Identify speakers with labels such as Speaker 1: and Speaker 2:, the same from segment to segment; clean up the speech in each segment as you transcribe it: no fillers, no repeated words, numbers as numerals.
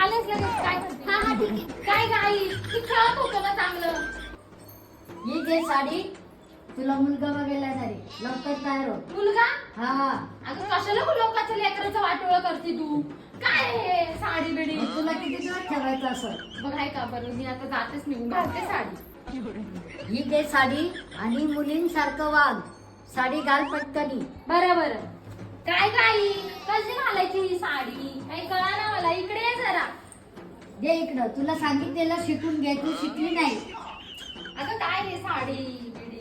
Speaker 1: आलेच लगेच काय म्हणते? हा हा ठीक आहे. काय गाई तू खेळत होतो ना चांगलं.
Speaker 2: ही घे साडी, तुला मुलगा बघायला येणार आहे. लवकर तयार हो.
Speaker 1: मुलगा
Speaker 2: हा,
Speaker 1: अगं कशाला लोकांच्या लेकराचं वाटोळं करते तू? काय हे साडी बिडी
Speaker 2: तुला किती दिवस ठेवायचं असं?
Speaker 1: बघ आहे का बरं मी आता जातेच निघून घालते साडी.
Speaker 2: ही घे साडी आणि मुलींसारखं वाग. साडी घाल पटकनी.
Speaker 1: बरं बरं. काय गाई कशी घालायची ही साडी काही कळा ना मला. इकडे ये जरा.
Speaker 2: दे इकडं, तुला सांगितलेलं शिकून घे, तू शिकली नाही.
Speaker 1: अगं काय हे साडी बिडी.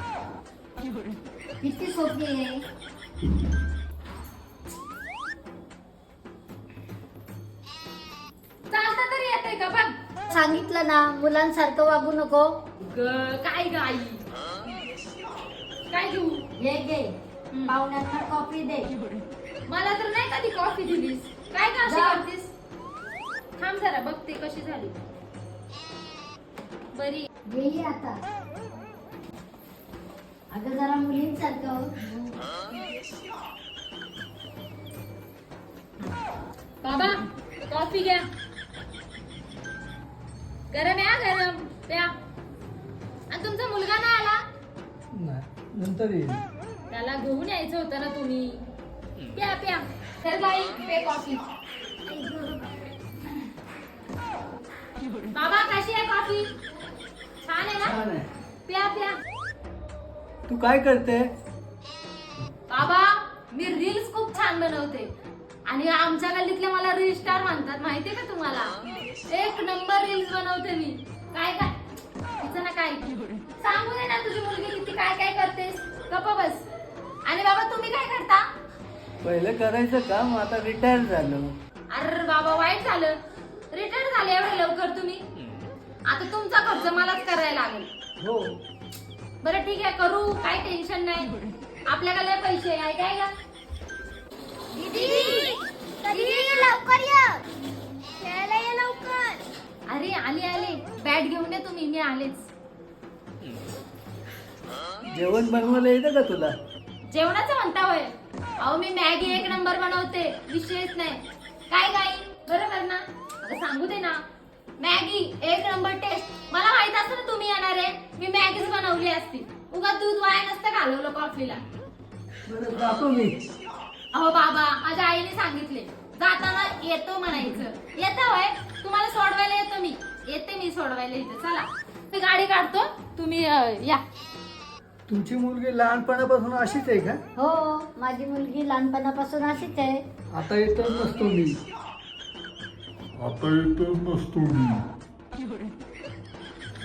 Speaker 2: किती सोपी आहे.
Speaker 1: चालता तरी येते का बघ.
Speaker 2: सांगितलं ना, मुलांसारखं वागू नको.
Speaker 1: काय गाई काय घेऊ.
Speaker 2: हे घे, पाहुण्यांना कॉफी दे.
Speaker 1: मला तर नाही कधी कॉफी दिलीस. काय का अशी
Speaker 2: जा.
Speaker 1: करतीस. थांब जरा बघते कशी झाली. बरी.
Speaker 2: घे आता. अगं जरा मुलींसारखं हो.
Speaker 1: बाबा कॉफी घ्या. गरम आहे हा, गरम प्या. आणि तुमचा मुलगा नाही आला.
Speaker 3: नाही नंतर येईल.
Speaker 1: त्याला घेऊन यायचं होतं ना तुम्ही. प्या प्या. तर बाई पे कॉफी. बाबा कशी आहे कॉफी. छान आहे ना.
Speaker 3: छान आहे.
Speaker 1: प्या प्या.
Speaker 3: तू काय करते?
Speaker 1: बाबा मी रील्स खूप छान बनवते आणि आमच्या गल्लीतले मला रील स्टार म्हणतात माहितीये का तुम्हाला. एक नंबर रील्स बनवते मी. काय काय तिचं ना काय सांगू दे ना तुझी मुलगी किती काय काय करतेस. गप्पा बस. आणि बाबा तुम्ही काय करता.
Speaker 3: पहिलं करायचं काम, आता रिटायर झालो.
Speaker 1: अरे बाबा वाईट झालं. रिटायर झाले एवढे लवकर तुम्ही. आता तुमचा खर्च मलाच करायला लागेल.
Speaker 3: हो.
Speaker 1: बरं ठीक आहे करू. काय टेन्शन नाही. आपल्याकडे लय पैसे आहे काय का.
Speaker 4: लवकर ये खेळायला ये लवकर.
Speaker 1: अरे आले आले. बॅट घेऊन ये तुम्ही. मी आलेच.
Speaker 3: जेवण बनवायला येतं का तुला?
Speaker 1: जेवणाचं म्हणता होय. अहो मी मॅगी एक नंबर बनवते. विषयच नाही. काय गाई बरोबर ना. आता सांगू दे ना. मॅगी एक नंबर टेस्ट. मला माहित असतं ना तुम्ही येणार आहे. मी मॅगीच बनवली असती. उगा दूध वाया नसतं घालवलं कॉफीला.
Speaker 3: बरं जातो मी.
Speaker 1: अहो बाबा माझ्या आईने सांगितले जाताना येतो म्हणायचं. येतं होय. तुम्हाला सोडवायला येतो मी. येते मी सोडवायला इथं. चला मी गाडी काढतो. तुम्ही या.
Speaker 3: तुमची मुलगी लहानपणापासून अशीच आहे का?
Speaker 2: हो, माझी मुलगी लहानपणापासून अशीच आहे.
Speaker 3: आता येतच नसतो मी.
Speaker 5: आता येतच नसतो मी.